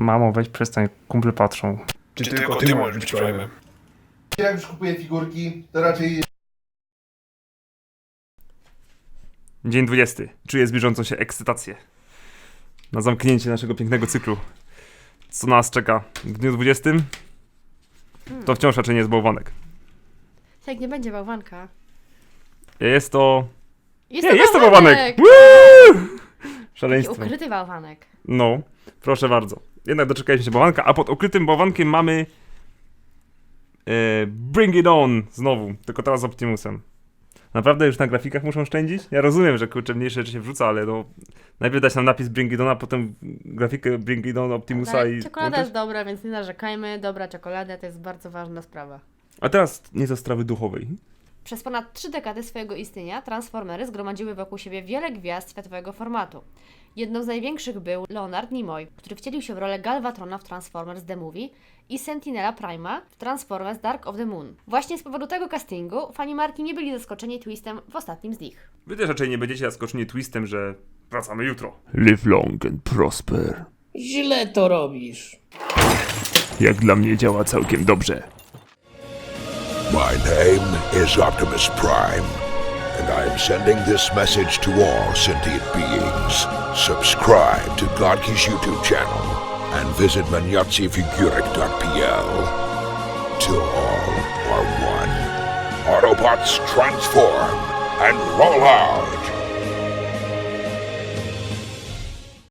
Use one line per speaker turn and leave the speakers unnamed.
Mamo, weź przestań, kumple patrzą.
Czy tylko ty możesz być Prime'em?
Jak już kupuję figurki, to raczej
Dzień 20. Czuję zbliżającą się ekscytację. Na zamknięcie naszego pięknego cyklu. Co nas czeka w dniu 20? To wciąż raczej nie jest bałwanek.
Tak, nie będzie bałwanka.
Jest to...
Jest
Nie, jest to
bałwanek!
bałwanek! Woo!
Taki
Szaleństwo.
ukryty bałwanek.
No, proszę bardzo. Jednak doczekaliśmy się bałwanka, a pod ukrytym bałwankiem mamy... Bring It On znowu, tylko teraz z Optimusem. Naprawdę już na grafikach muszą oszczędzić? Ja rozumiem, że kurczę mniejsze rzeczy się wrzuca, ale no... Najpierw dać nam napis Bring It On, a potem grafikę Bring It On Optimusa
Ale
i...
czekolada
włączyć?
jest dobra, więc nie narzekajmy. Dobra czekolada to jest bardzo ważna sprawa.
A teraz nieco strawy duchowej.
Przez ponad 3 dekady swojego istnienia Transformery zgromadziły wokół siebie wiele gwiazd światowego formatu. Jedną z największych był Leonard Nimoy, który wcielił się w rolę Galvatrona w Transformers The Movie i Sentinela Prima w Transformers Dark of the Moon. Właśnie z powodu tego castingu fani marki nie byli zaskoczeni twistem w ostatnim z nich.
Wy też raczej nie będziecie zaskoczeni twistem, że wracamy jutro. Live long and prosper.
Źle to robisz.
Jak dla mnie działa całkiem dobrze.
My name is Optimus Prime, and I am sending this message to all sentient beings. Subscribe to Godki's YouTube channel and visit maniatzifiguric.pl. Till all are one. Autobots transform and roll out!